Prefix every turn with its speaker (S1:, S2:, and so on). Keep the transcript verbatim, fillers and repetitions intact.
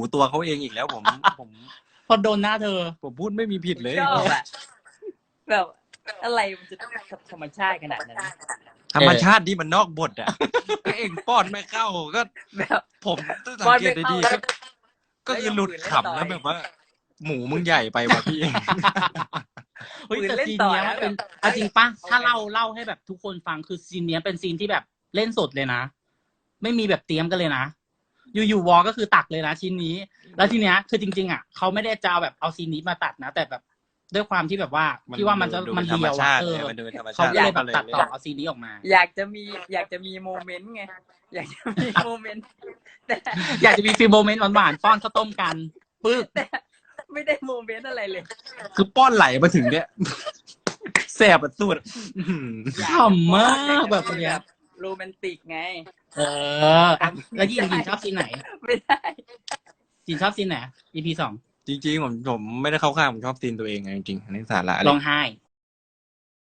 S1: ตัวเขาเองอีกแล้วผมผม
S2: พอโดนหน้าเธอ
S1: ผมพูดไม่มีผิดเลย
S3: ชอบอะแบบอะไรมันจะธรรมชาติขนาดนั้น
S1: ธรรมชาติที่มันนอกบทอ่ะก็เองป้อนไม่เข้าก็
S3: แบบ
S1: ผมต้องสังเกตดีๆก็ก็คือหลุดขำแล้วแบบว่า หมูมึงใหญ่ไปว่ะพี่
S2: เฮ้ยแต่ซีนเนี้ยมันเป็นเอาจริงปะถ้าเล่าเล่าให้แบบทุกคนฟังคือซีนเนี้ยเป็นซีนที่แบบเล่นสดเลยนะไม่มีแบบเตรียมกันเลยนะอยู่ๆวอก็คือตักเลยนะชิ้นนี้แล้วทีเนี้ยคือจริงๆอ่ะเขาไม่ได้จะเอาแบบเอาซีนนี้มาตัดนะแต่แบบด้วยความที่แบบว่าพี่ว่ามันจะมันเดียวอ่ะเออเขาก็เลยแบบตัดต่อเอาซีนนี้ออกมา
S3: อยากจะมีอยากจะมีโมเมนต์ไงอยากจะมีโมเมนต์แต่
S2: อยากจะมีฟีลโมเมนต์หวานๆป้อนข้าวต้มกันปึ๊บ
S3: แต่ไม่ได้โมเมนต์อะไรเลย
S1: คือป้อนไหลมาถึงเนี้ยแสบอ่ะสุด
S2: ขำมากแบบเนี้ย
S3: โรแมนติกไง
S2: เออแล้วยินยินชอบซีนไหน
S3: ไม่ได้
S2: ยินชอบซีนไหน อี พี สอง
S1: จริงๆผมผมไม่ได้เข้าข้างผมชอบซีนตัวเองไงจริงๆในสาระ
S2: ร้องไห้